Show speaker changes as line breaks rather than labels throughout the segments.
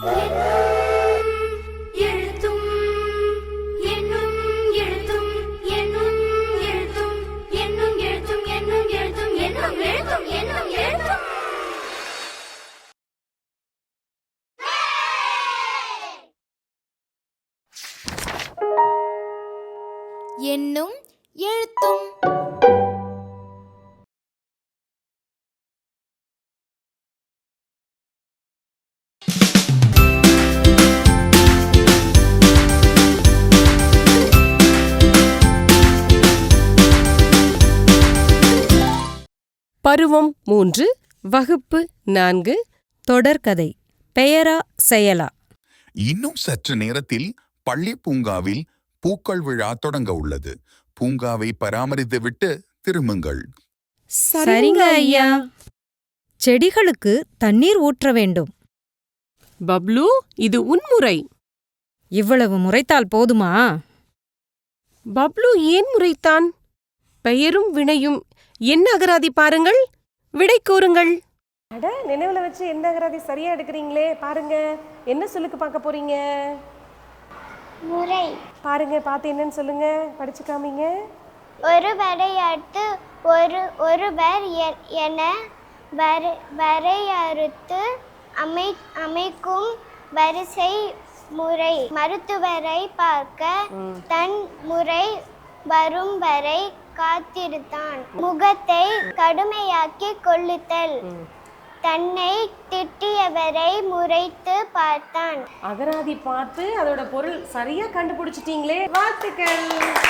எண்ணும் எழுத்தும்.
பருவம் 3, வகுப்பு 4, தொடர்கதை. பெயரா செயலா?
இன்னும் சற்று நேரத்தில் பள்ளி பூங்காவில் பூக்கள் விழா தொடங்க உள்ளது. பூங்காவை பராமரித்துவிட்டு திரும்புங்கள்.
சரிங்க ஐயா. செடிகளுக்கு தண்ணீர் ஊற்ற வேண்டும்.
பப்ளு, இது உன் முறை.
இவ்வளவு முறைத்தால் போதுமா?
பப்ளு ஏன் முறைத்தான்? பெயரும் வினையும் என்ன அகராதி பாருங்கள், விடை கூறுங்கள்.
அட, நினைவுல வச்சு எந்த அகராதி சரியா எடுக்கிறீங்களே. பாருங்க, என்ன சொல்லுக்கு பார்க்க போறீங்க?
முறை.
பாருங்க, பார்த்து என்னன்னு சொல்லுங்க, படிச்சு காமிங்க.
ஒருவரை அடுத்து ஒருவர் என வரையறுத்து அமைக்கும் வரிசை முறை. மருத்துவரை பார்க்க தன் முறை வரும் வரை காத்திருந்தான். முகத்தை கடுமையாக்கி கொள்ளுதல். தன்னை திட்டியவரை முறைத்து பார்த்தான்.
அகராதி பார்த்து அதோட பொருள் சரியா கண்டுபிடிச்சிட்டீங்களே, வாழ்த்துக்கள்.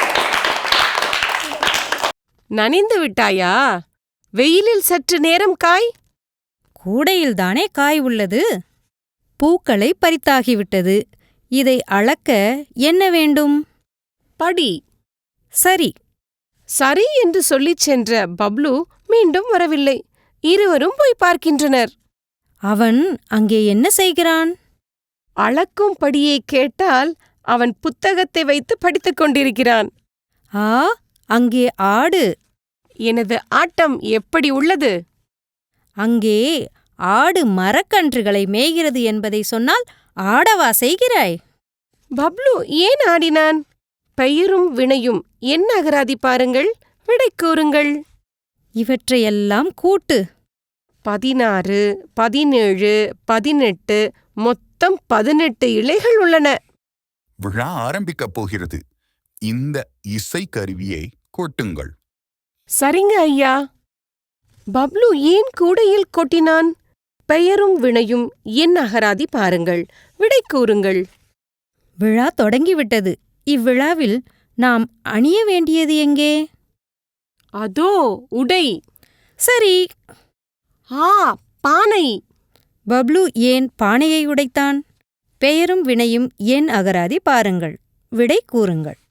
நனைந்து விட்டாயா? வெயிலில் சற்று நேரம் காய்.
கூடையில்தானே காய் உள்ளது. பூக்களை பறித்தாகிவிட்டது. இதை அளக்க என்ன வேண்டும்?
படி.
சரி.
சரி என்று சொல்லிச் சென்ற பப்ளு மீண்டும் வரவில்லை. இருவரும் போய் பார்க்கின்றனர்.
அவன் அங்கே என்ன செய்கிறான்?
அளக்கும் படியை கேட்டால் அவன் புத்தகத்தை வைத்து படித்துக் கொண்டிருக்கிறான்.
ஆ, அங்கே ஆடு.
எனது ஆட்டம் எப்படி உள்ளது?
அங்கே ஆடு மரக்கன்றுகளை மேய்கிறது என்பதை சொன்னால் ஆடவா செய்கிறாய்?
பப்ளு ஏன் ஆடினான்? பெயரும் வினையும் என்ன அகராதி பாருங்கள், விடை கூறுங்கள்.
இவற்றையெல்லாம் கூட்டு.
16, 17, 18, மொத்தம் 18 இலைகள் உள்ளன.
விழா ஆரம்பிக்கப் போகிறது. இந்த இசைக்கருவியை கொட்டுங்கள்.
சரிங்க ஐயா. பப்ளு ஏன் கூடையில் கொட்டினான்? பெயரும் வினையும் என் அகராதி பாருங்கள், விடை கூறுங்கள்.
விழா தொடங்கிவிட்டது. இவ்விழாவில் நாம் அணிய வேண்டியது எங்கே?
அதோ உடை.
சரி.
ஆ, பானை.
பப்ளு ஏன் பானையை உடைத்தான்? பெயரும் வினையும் என் அகராதி பாருங்கள், விடை கூறுங்கள்.